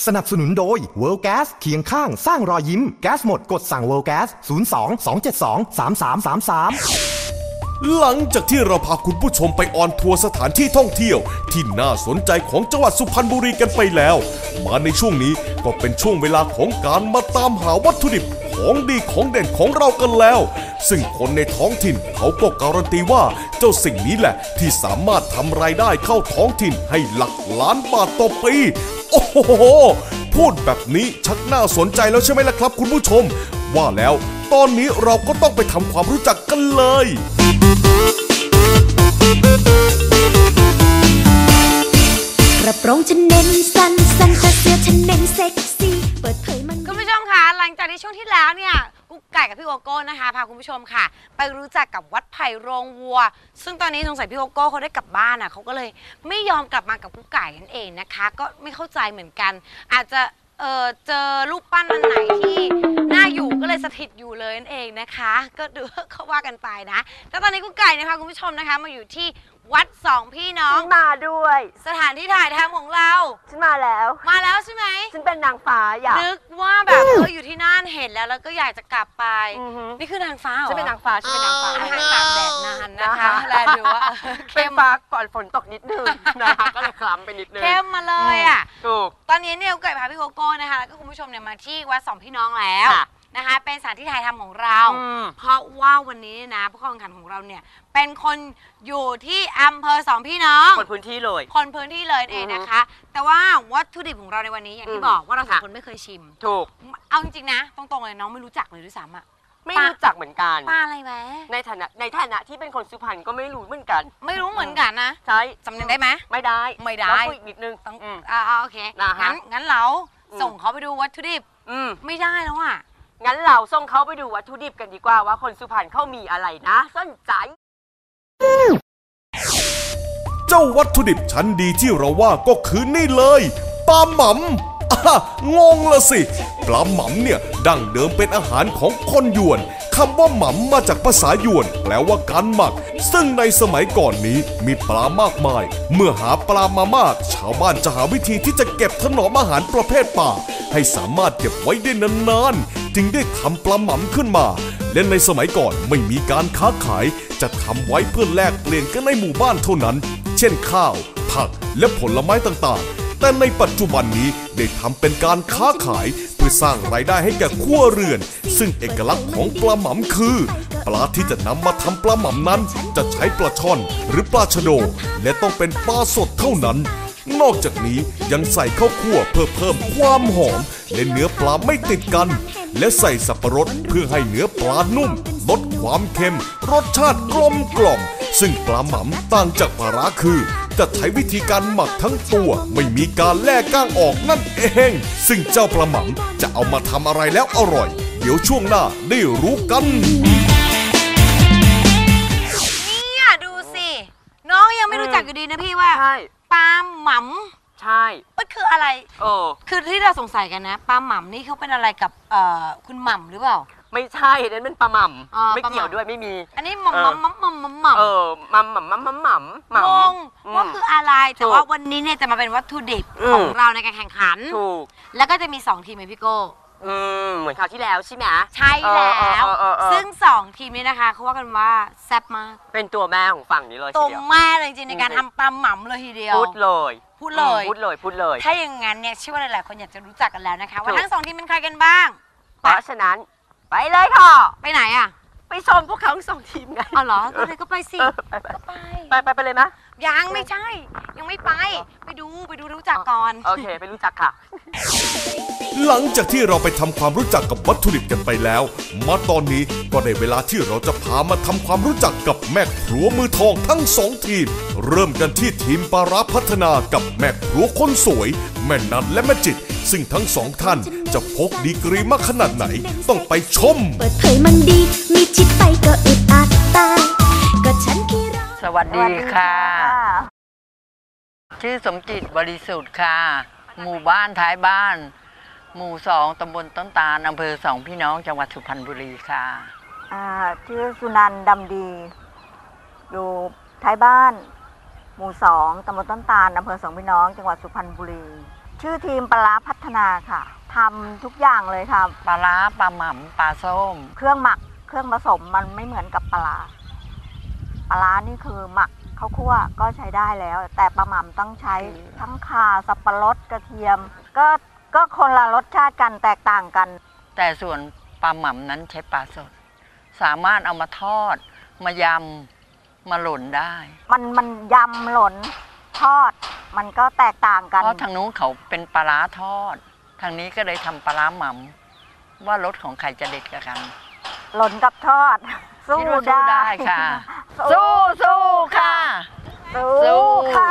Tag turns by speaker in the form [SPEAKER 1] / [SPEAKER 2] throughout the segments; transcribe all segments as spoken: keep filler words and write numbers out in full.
[SPEAKER 1] สนับสนุนโดย World Gas เคียงข้างสร้างรอยยิ้มแก๊สหมดกดสั่ง World Gas ศูนย์ สอง สอง เจ็ด สอง สาม สาม สาม สาม
[SPEAKER 2] หลังจากที่เราพาคุณผู้ชมไปออนทัวร์สถานที่ท่องเที่ยวที่น่าสนใจของจังหวัดสุพรรณบุรีกันไปแล้วมาในช่วงนี้ก็เป็นช่วงเวลาของการมาตามหาวัตถุดิบของดีของเด่นของเรากันแล้วซึ่งคนในท้องถิ่นเขาก็การันตีว่าเจ้าสิ่งนี้แหละที่สามารถทำรายได้เข้าท้องถิ่นให้หลักล้านบาทต่อปีโอ้โหพูดแบบนี้ชักน่าสนใจแล้วใช่ไหมล่ะครับคุณผู้ชมว่าแล้วตอนนี้เราก็ต้องไปทำความรู้จักกันเลย
[SPEAKER 3] กระโปรงฉันเน้นสั้นสั้นแต่เสื้อฉันเน้นเซ็กซี่เปิดเผยมัน
[SPEAKER 4] คุณผู้ชมคะหลังจากที่ช่วงที่แล้วเนี่ยกุ๊กไก่กับพี่โกโก้นะคะพาคุณผู้ชมค่ะไปรู้จักกับวัดไผ่โรงวัวซึ่งตอนนี้สงสัยพี่โกโก้เขาได้กลับบ้านอ่ะเขาก็เลยไม่ยอมกลับมากับกุ๊กไก่นั่นเองนะคะก็ไม่เข้าใจเหมือนกันอาจจะเออเจอรูปปั้นอันไหนที่น่าอยู่ก็เลยสถิตอยู่เลยนั่นเองนะคะก็ดูเขาว่ากันไปนะแต่ตอนนี้กุ๊กไก่นะคะคุณผู้ชมนะคะมาอยู่ที่วัดสองพี่น้อง
[SPEAKER 5] มาด้วย
[SPEAKER 4] สถานที่ถ่ายทำของเรา
[SPEAKER 5] ฉันมาแล้ว
[SPEAKER 4] มาแล้วใช่ไหม
[SPEAKER 5] ฉันเป็นนางฟ้าอยาก
[SPEAKER 4] นึกว่าแบบเอออยู่ที่นั่นเห็นแล้วแล้วก็อยากจะกลับไปนี่คือนางฟ้าเหรอ
[SPEAKER 5] ฉันเป็นนางฟ้าฉันเป็นนางฟ้า
[SPEAKER 4] อาหารตากแดดนานนะคะแลดูว่า
[SPEAKER 5] เข้มฟ้าก่อนฝนตกนิดนึงนะคะก็เลยคล้ำไปนิดนึง
[SPEAKER 4] เข้มมาเลยอ่ะ
[SPEAKER 5] ถูก
[SPEAKER 4] ตอนนี้เนี่ยกุ๊กไก่พาพี่โกโก้นะคะแล้วก็คุณผู้ชมเนี่ยมาที่วัดสองพี่น้องแล้วนะคะเป็นสถานที่ถ่ายทำของเราเพราะว่าวันนี้นะผู้เข้าแข่งขันของเราเนี่ยเป็นคนอยู่ที่อำเภอสองพี่น้อง
[SPEAKER 5] คนพื้นที่เลย
[SPEAKER 4] คนพื้นที่เลยเองนะคะแต่ว่าวัตถุดิบของเราในวันนี้อย่างที่บอกว่าเราสองคนไม่เคยชิม
[SPEAKER 5] ถูก
[SPEAKER 4] เอาจริงๆนะตรงๆเลยน้องไม่รู้จักเลยด้วยซ้ำอะ
[SPEAKER 5] ไม่รู้จักเหมือนกัน
[SPEAKER 4] ปลาอะไรแหม
[SPEAKER 5] ในฐานะในฐานะที่เป็นคนสุพรรณก็ไม่รู้เหมือนกัน
[SPEAKER 4] ไม่รู้เหมือนกันนะ
[SPEAKER 5] ใช่
[SPEAKER 4] จำเนียงได้ไหม
[SPEAKER 5] ไม่ได้
[SPEAKER 4] ไม่ได้
[SPEAKER 5] ต้องคุยนิดนึง
[SPEAKER 4] ต้องอ่าโอเคงั้นงั้นเราส่งเขาไปดูวัตถุดิบไม่ได้แล้วอ่ะ
[SPEAKER 5] งั้นเราส่งเขาไปดูวัตถุดิบกันดีกว่าว่าคนสุพรรณเขามีอะไรนะสนใจ
[SPEAKER 2] เจ้าวัตถุดิบชั้นดีที่เราว่าก็คือนี่เลยปลาหม่ำอ่ะงงละสิปลาหม่ำเนี่ยดั้งเดิมเป็นอาหารของคนยวนคำว่าหม่ำมาจากภาษายวนแปลว่าการหมักซึ่งในสมัยก่อนนี้มีปลามากมายเมื่อหาปลามามากชาวบ้านจะหาวิธีที่จะเก็บถนอมอาหารประเภทป่าให้สามารถเก็บไว้ได้นานๆจึงได้ทำปลาหม่ำขึ้นมาและในสมัยก่อนไม่มีการค้าขายจะทำไว้เพื่อแลกเปลี่ยนกันในหมู่บ้านเท่านั้นเช่นข้าวผักและผลไม้ต่างๆแต่ในปัจจุบันนี้ได้ทำเป็นการค้าขายเพื่อสร้างรายได้ให้แก่ครัวเรือนซึ่งเอกลักษณ์ของปลาหม่ำคือปลาที่จะนำมาทำปลาหม่ำนั้นจะใช้ปลาช่อนหรือปลาชะโดและต้องเป็นปลาสดเท่านั้นนอกจากนี้ยังใส่ข้าวคั่วเพื่อเพิ่มความหอมและเนื้อปลาไม่ติดกันและใส่สับปะรดเพื่อให้เนื้อปลานุ่มลดความเค็มรสชาติกลมกล่อมซึ่งปลาหม่ำต่างจากปลาร้าคือจะใช้วิธีการหมักทั้งตัวไม่มีการแล่ก้างออกนั่นเองซึ่งเจ้าปลาหม่ำจะเอามาทำอะไรแล้วอร่อยเดี๋ยวช่วงหน้าได้รู้กัน
[SPEAKER 4] เนี่ยดูสิน้องยังไม่รู้จักอยู่ดีนะพี่ว่าปลาหม่ำ
[SPEAKER 5] ใช่
[SPEAKER 4] มันคืออะไร
[SPEAKER 5] เออ
[SPEAKER 4] คือที่เราสงสัยกันนะปลาหม่ำนี่เขาเป็นอะไรกับเอ่อคุณหม่ำหรือเปล่า
[SPEAKER 5] ไม่ใช่นั่นเป็นปลาหม่ำไม่เกี่ยวด้วยไม่มี
[SPEAKER 4] อันนี้หม่ำหม่ำหม่ำหม่ำหม่ำ
[SPEAKER 5] เออหม่ำหม่ำหม่ำหม่ำหม่ำหม่
[SPEAKER 4] ำงงว่าคืออะไรแต่ว่าวันนี้เนี่ยจะมาเป็นวัตถุดิบของเราในการแข่งขัน
[SPEAKER 5] ถูก
[SPEAKER 4] แล้วก็จะมีสองทีมไหมพี่โก้
[SPEAKER 5] อืมเหมือนคราวที่แล้วใช่ไหม
[SPEAKER 4] ใช่แล้วซึ่งสองทีมนี้นะคะเขาว่ากันว่าแซ่บมาก
[SPEAKER 5] เป็นตัวแม่ของฝั่งนี้เลย
[SPEAKER 4] ตัวแม่เลยจริงในการทำปลาหม่ำเลยทีเดียว
[SPEAKER 5] พูดเลย
[SPEAKER 4] พูดเลย
[SPEAKER 5] พูดเลยพูดเลย
[SPEAKER 4] ถ้าอย่างงั้นเนี่ยเชื่อว่าหลายๆคนอยากจะรู้จักกันแล้วนะคะว่าทั้งสองทีมเป็นใครกันบ้าง
[SPEAKER 5] เพราะฉะนั้นไปเลยค่ะ
[SPEAKER 4] ไปไหนอ่ะ
[SPEAKER 5] ไปชมพวกเขาทั้งสองทีมไง
[SPEAKER 4] อ๋อเหรอก็เลยก็ไปสิ
[SPEAKER 5] ก็ไปไปไปไปเลยไหม
[SPEAKER 4] ยังไม่ใช่ยังไม่ไปไปดูไปดูรู้จักก่อน
[SPEAKER 5] โอเคไปรู้จักค่ะ
[SPEAKER 2] หลังจากที่เราไปทำความรู้จักกับวัตถุดิบกันไปแล้วมาตอนนี้ก็ได้เวลาที่เราจะพามาทำความรู้จักกับแม่ครัวมือทองทั้งสองทีมเริ่มกันที่ทีมปลาร้าพัฒนากับแม่ครัวคนสวยแม่นันและแม่จิตซึ่งทั้งสองท่านจะพกดีกรีมาขนาดไหนต้องไปชม
[SPEAKER 3] เปิดเผยมันดีมีชิดไปก็อึดอัดตายก็ฉันขี้ร้อน
[SPEAKER 6] สวัสดีค่ะชื่อสมจิตบริสุทธิ์ค่ะหมู่บ้านท้ายบ้านหมู่สองตำบลต้นตาลอำเภอสองพี่น้องจังหวัดสุพรรณบุรีค่ะ
[SPEAKER 7] อ่าชื่อสุนันท์ดำดีอยู่ท้ายบ้านหมู่สองตำบลต้นตาลอำเภอสองพี่น้องจังหวัดสุพรรณบุรี ทชื่อทีมปลาร้าพัฒนาค่ะทำทุกอย่างเลยค่ะ
[SPEAKER 6] ปลาร้าปลาหม่ำปลาส้ม
[SPEAKER 7] เครื่องหมักเครื่องผสมมันไม่เหมือนกับปลาร้าปลาร้านี่คือหมักข้าวคั่วก็ใช้ได้แล้ว แต่ปลาหม่ำต้องใช้ทั้งข่าสับปะรดกระเทียม ก็ก็คนละรสชาติกันแตกต่างกัน
[SPEAKER 6] แต่ส่วนปลาหม่ำนั้นใช้ปลาสด สามารถเอามาทอด มายำมาหล่นได้
[SPEAKER 7] มันมันยำหล่นทอด มันก็แตกต่างกัน
[SPEAKER 6] เพราะทางนู้นเขาเป็นปลาร้าทอด ทางนี้ก็เลยทำปลาร้าหม่ำว่ารสของใครจะเด็ดกว่ากัน
[SPEAKER 7] หล่นกับทอด สู้
[SPEAKER 6] คิดว่าสู้
[SPEAKER 7] ได้
[SPEAKER 6] ได้ค่ะ สู้สู้ค่ะ
[SPEAKER 7] สู้
[SPEAKER 6] สู้
[SPEAKER 7] ค่ะ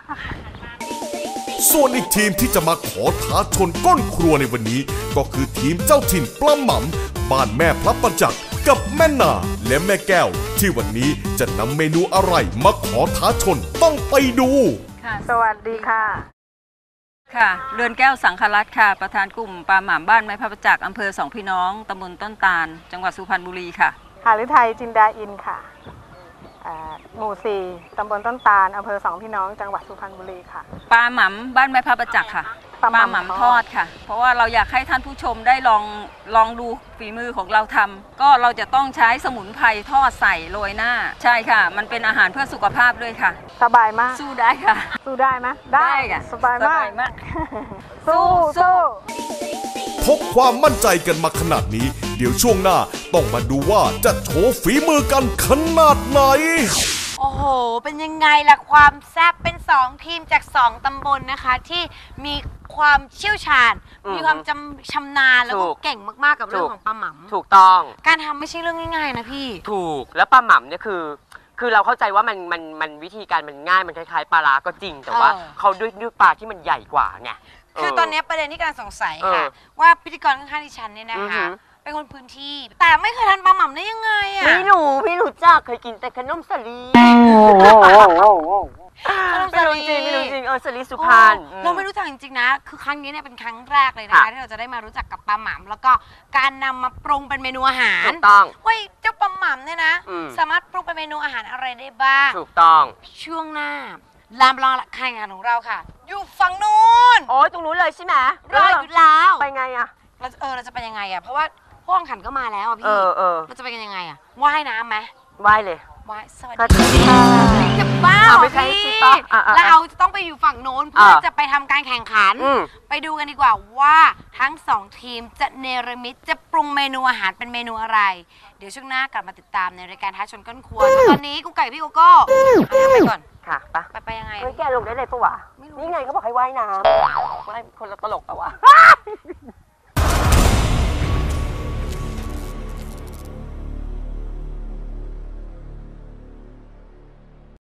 [SPEAKER 2] ส่วนอีกทีมที่จะมาขอท้าชนก้นครัวในวันนี้ ก็คือทีมเจ้าถิ่นปลาหม่ำบ้านแม่พระประจักษ์กับแม่นาและแม่แก้ว ที่วันนี้จะนำเมนูอะไรมาขอท้าชนต้องไปดู
[SPEAKER 7] สวัสดีค่ะ
[SPEAKER 8] ค่ะเรือนแก้วสังครัตน์ค่ะประธานกลุ่มปลาหม่ำบ้านไม้พระประจักษ์อำเภอสองพี่น้องตำบลต้นตาลจังหวัดสุพรรณบุรีค่ะ
[SPEAKER 9] หฤทัยจินดาอินค่ะหมู่สี่ตำบลต้นตาลอำเภอสองพี่น้องจังหวัดสุพรรณบุรีค่ะ
[SPEAKER 8] ปลาหม่ำบ้านไม้พระประจักษ์ค่ะปลาหม่ำทอดค่ะเพราะว่าเราอยากให้ท่านผู้ชมได้ลองลองดูฝีมือของเราทำก็เราจะต้องใช้สมุนไพรทอดใส่โรยหน้าใช่ค่ะมันเป็นอาหารเพื่อสุขภาพด้วยค่ะ
[SPEAKER 9] สบายมาก
[SPEAKER 8] สู้ได้ค่ะ
[SPEAKER 9] สู้ได้ไหม
[SPEAKER 8] ได้ค่ะ
[SPEAKER 9] สบายมาก
[SPEAKER 8] สู้สู้
[SPEAKER 2] พกความมั่นใจกันมาขนาดนี้ เดี๋ยวช่วงหน้าต้องมาดูว่าจะโชว์ฝีมือกันขนาดไหน
[SPEAKER 4] โอ้โห เป็นยังไงล่ะความแซ่บเป็นสองทีมจากสองตำบลนะคะ ที่มีความเชี่ยวชาญ มีความจำชำนาญแล้วก็เก่งมากๆกับเรื่องของปลาหม่ำ
[SPEAKER 5] ถูกต้อง
[SPEAKER 4] การทำไม่ใช่เรื่องง่ายๆนะพี่
[SPEAKER 5] ถูกแล้วปลาหม่ำเนี่ยคือ คือเราเข้าใจว่ามันมันมันวิธีการมันง่ายมันคล้ายๆปลาร้าก็จริงแต่ว่าเขาด้วยด้วยปลาที่มันใหญ่กว่าไง
[SPEAKER 4] คือตอนนี้ประเด็นที่กำลังสงสัยค่ะว่าพิธีกรข้างๆดิฉันเนี่ยนะคะเป็นคนพื้นที่แต่ไม่เคยทานปลาหม่ำได้ยังไงอ่ะ
[SPEAKER 5] ไม่รู้พี่รู้จักเคยกินแต่ขนมสลีไม่รู้จริงไม่รู้จริงเออสลีสุพรรณ
[SPEAKER 4] เราไม่รู้จักจริงๆนะคือครั้งนี้เนี่ยเป็นครั้งแรกเลยนะคะที่เราจะได้มารู้จักกับปลาหม่ำแล้วก็การนำมาปรุงเป็นเมนูอาหาร
[SPEAKER 5] ถูกต้อง
[SPEAKER 4] ว่าเจ้าปลาหม่ำเนี่ยนะสามารถปรุงเป็นเมนูอาหารอะไรได้บ้าง
[SPEAKER 5] ถูกต้อง
[SPEAKER 4] ช่วงหน้าลามลองแข่งขันของเราค่ะอยู่ฝั่งนู้น
[SPEAKER 5] โอ้ยตรงนู้นเลยใช่ไหม
[SPEAKER 4] รออยู่แล้ว
[SPEAKER 5] ไปไงอะ
[SPEAKER 4] เราเออเราจะไปยังไงอะเพราะว่าพวกขันก็มาแล้วอะพี่เราจะไปกันยังไงอะว่ายน้ำไหม
[SPEAKER 5] ว่ายเลย
[SPEAKER 4] ว่ายสวัสดีค่ะจะบ้า
[SPEAKER 5] ไม่ใช่สิปะ
[SPEAKER 4] เราจะต้องไปอยู่ฝั่งโน้นเพื่อจะไปทำการแข่งขันไปดูกันดีกว่าว่าทั้งสองทีมจะเนรมิตจะปรุงเมนูอาหารเป็นเมนูอะไรเดี๋ยวช่วงหน้ากลับมาติดตามในรายการท้าชนก้นครัวตอนนี้กุ๊กไก่พี่โกโก้ไปก่อน
[SPEAKER 5] ค่ะปะ
[SPEAKER 4] ไปไปยังไง
[SPEAKER 5] เฮ้ยแกลงได้เลยปะวะนี่ไงเขาบอกให้ว่ายน้ำว่ายคนละตลกปะวะ